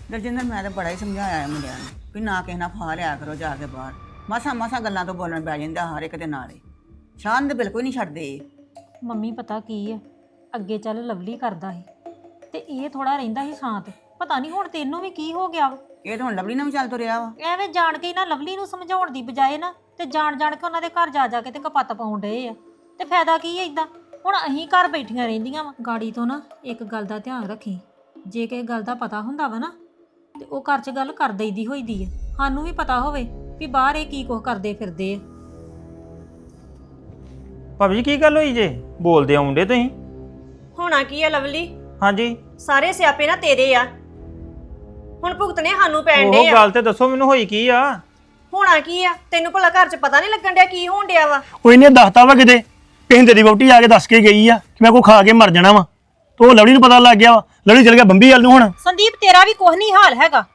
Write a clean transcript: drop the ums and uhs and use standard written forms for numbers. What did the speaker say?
ਦਰਜਿੰਦਰ ਮੈਂ ਤਾਂ ਬੜਾ ਹੀ ਸਮਝਾਇਆ ਹੈ ਮੁੰਡਿਆਂ ਨੂੰ ਵੀ ਨਾ ਕਿਸੇ ਨਾਲ ਫਾ ਲਿਆ ਕਰੋ ਜਾ ਕੇ ਬਾਹਰ। ਮਸਾਂ ਗੱਲਾਂ ਤੋਂ ਬੋਲਣ ਪੈ ਜਾਂਦਾ ਹਰ ਇੱਕ ਦੇ ਨਾਲ ਹੀ। ਸ਼ਾਨ ਤੇ ਬਿਲਕੁਲ ਨਹੀਂ ਛੱਡਦੇ ਇਹ। ਮੰਮੀ ਪਤਾ ਕੀ ਆ, ਅੱਗੇ ਚੱਲ ਲਵਲੀ ਕਰਦਾ ਸੀ ਤੇ ਇਹ ਥੋੜਾ ਰਹਿੰਦਾ ਸੀ ਸ਼ਾਂਤ। ਪਤਾ ਨਹੀਂ ਹੁਣ ਤੈਨੂੰ ਵੀ ਕੀ ਹੋ ਗਿਆ ਵਾ। ਇਹ ਤਾਂ ਹੁਣ ਲਵਲੀ ਨਾਲ ਵੀ ਚੱਲ ਤੁਰਿਆ ਵਾ। ਐਵੇਂ ਜਾਣ ਕੇ ਹੀ ਨਾ ਲਵਲੀ ਨੂੰ ਸਮਝਾਉਣ ਦੀ ਬਜਾਏ ਨਾ ਤੇ ਜਾਣ ਕੇ ਉਹਨਾਂ ਦੇ ਘਰ ਜਾ ਕੇ ਤੇ ਕਪੱਤ ਪਾਉਣ ਡਏ ਆ। ਤੇ ਫਾਇਦਾ ਕੀ ਹੈ ਇਦਾਂ? ਹੁਣ ਅਸੀਂ ਘਰ ਬੈਠੀਆਂ ਰਹਿੰਦੀਆਂ ਵਾ। ਗਾੜੀ ਤੋਂ ਨਾ ਇੱਕ ਗੱਲ ਦਾ ਧਿਆਨ ਰੱਖੀ, ਜੇ ਕਿਸੇ ਗੱਲ ਦਾ ਪਤਾ ਹੁੰਦਾ ਵਾ ਨਾ ਤੇ ਉਹ ਘਰ 'ਚ ਗੱਲ ਕਰ ਦਈਦੀ ਹੋਈਦੀ ਆ। ਸਾਨੂੰ ਵੀ ਪਤਾ ਹੋਵੇ ਵੀ ਬਾਹਰ ਇਹ ਕੀ ਕੁਝ ਕਰਦੇ ਫਿਰਦੇ ਆ। ਭਾਬੀ ਜੀ ਕੀ ਗੱਲ ਹੋਈ ਜੇ? ਬੋਲਦੇ ਆਉਂਦੇ ਤੁਸੀਂ। ਹੋਣਾ ਕੀ ਆ ਲਵਲੀ? ਹਾਂਜੀ ਸਾਰੇ ਸਿਆਪੇ ਨਾ ਤੇਰੇ ਆ, ਹੁਣ ਭੁਗਤਣੇ ਸਾਨੂੰ ਪੈਣ ਉਹ ਡੇ ਆ। ਗੱਲ ਤੇ ਦੱਸੋ ਮੈਨੂੰ, ਹੋਈ ਕੀ ਆ? ਹੋਣਾ ਕੀ ਆ? ਤੈਨੂੰ ਭਲਾ ਘਰ 'ਚ ਪਤਾ ਨਹੀਂ ਲੱਗਣ ਡਿਆ ਕੀ ਹੋਣ ਡਿਆ ਵਾ? ਉਹ ਇਹਨੇ ਦੱਸਤਾ ਵਾ ਕਿਤੇ ਪਿੰਡ ਦੀ ਵਹੁਟੀ ਆ ਕੇ ਦੱਸ ਕੇ ਗਈ ਆ ਕਿ ਮੈਂ ਕੋ ਖਾ ਕੇ ਮਰ ਜਾਣਾ ਵਾ। ਤੇ ਉਹ ਲਵਲੀ ਨੂੰ ਪਤਾ ਲੱਗ ਗਿਆ ਵਾ। ਲਵਲੀ ਚਲ ਗਿਆ ਬੰਬੀ ਵੱਲ ਨੂੰ। ਹੁਣ ਸੰਦੀਪ ਤੇਰਾ ਵੀ ਕੁਝ ਨਹੀਂ ਹਾਲ ਹੈਗਾ।